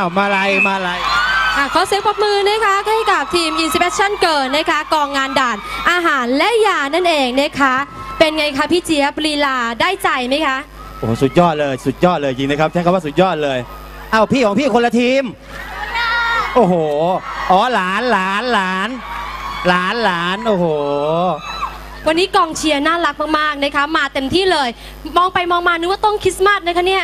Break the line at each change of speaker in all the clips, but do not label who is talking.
มาลัย
ขอเสียงปรบมือนะคะให้กับทีม Inspection เกิร์ลนะคะกองงานด่านอาหารและยานั่นเองนะคะเป็นไงคะพี่เจี๊ยบลีลาได้ใจไหมคะ
โอ้สุดยอดเลยจริงนะครับใช้คำว่าสุดยอดเลยเอ้าพี่ของพี่คนละทีมโอ้โหอ๋อหลานโอ้โห
วันนี้กองเชียร์น่ารักมากๆนะคะมาเต็มที่เลยมองไปมองมานึกว่าต้องคริสต์มาสนะคะเนี่ย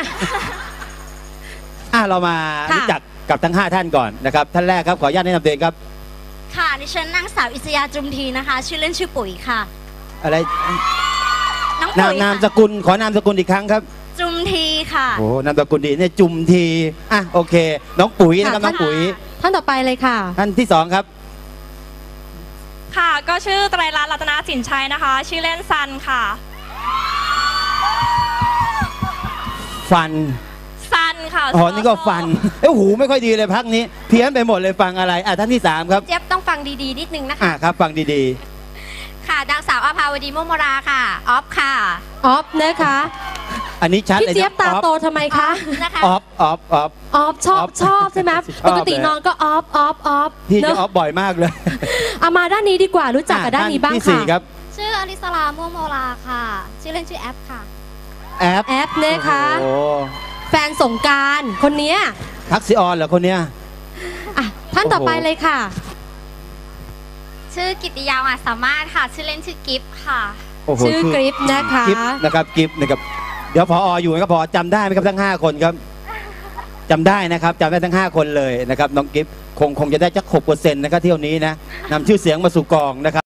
เรามารู้จักกับทั้ง5ท่านก่อนนะครับท่านแรกครับขออนุญาตแนะนำตัวเองครับ
ค่ะดิฉันนางสาวอิสยาจุมทีนะคะชื่อเล่นชื่อปุ๋ยค่ะ
อะไร
น้องปุ๋ย
นามสกุลขอนามสกุลอีกครั้งครับ
จุมทีค่ะ
โอ้นามสกุลดีเนี่ยจุมทีโอเคน้องปุ๋ยนะครับน้องปุ๋ย
ท่านต่อไปเลยค่ะ
ท่านที่2ครับ
ค่ะก็ชื่อไตรรัตน์รัตนสินชัยนะคะชื่อเล่นซันค่ะ
ฟัน
ค่ะ
อ๋อนี่ก็ฟันหูไม่ค่อยดีเลยพักนี้เพี้ยนไปหมดเลยฟังอะไรท่านที่3ครับ
เจี๊ยบต้องฟังดีๆนิดนึงนะคะ
ครับฟังดี
ๆค่ะนางสาวอภาวดีมุมราค่ะออฟค่ะ
ออฟนะคะ
อันนี้ชัด
เลยพี่เจี๊ยบตาโตทำไมคะ
ออฟ
ชอบใช่ไหมปกติน้องก็ออฟ
พี่จะออฟบ่อยมากเลย
เอามาด้านนี้ดีกว่ารู้จักกับด้านนี้บ้างค่ะ
ชื่ออลิสลามุมราค่ะชื่อเล่นชื่อแอปค่ะ
แอป
นะคะแฟนสงการคนนี้
ทักซิออนเหรอคนเนี้ย
ท่านต่อไปเลยค่ะ
ชื่อกิติยามาสามารถค่ะชื่อเล่นชื่อกิฟค่ะ
ชื่อกริฟนะคะ
กิฟนะครับกิฟนะครับเดี๋ยวพออยู่นะครับพอจำได้ไหมครับทั้ง5คนครับจำได้นะครับจำได้ทั้ง5คนเลยนะครับน้องกิฟคงจะได้จัก 6% นะครับเที่ยวนี้นะนำชื่อเสียงมาสู่กองนะครับ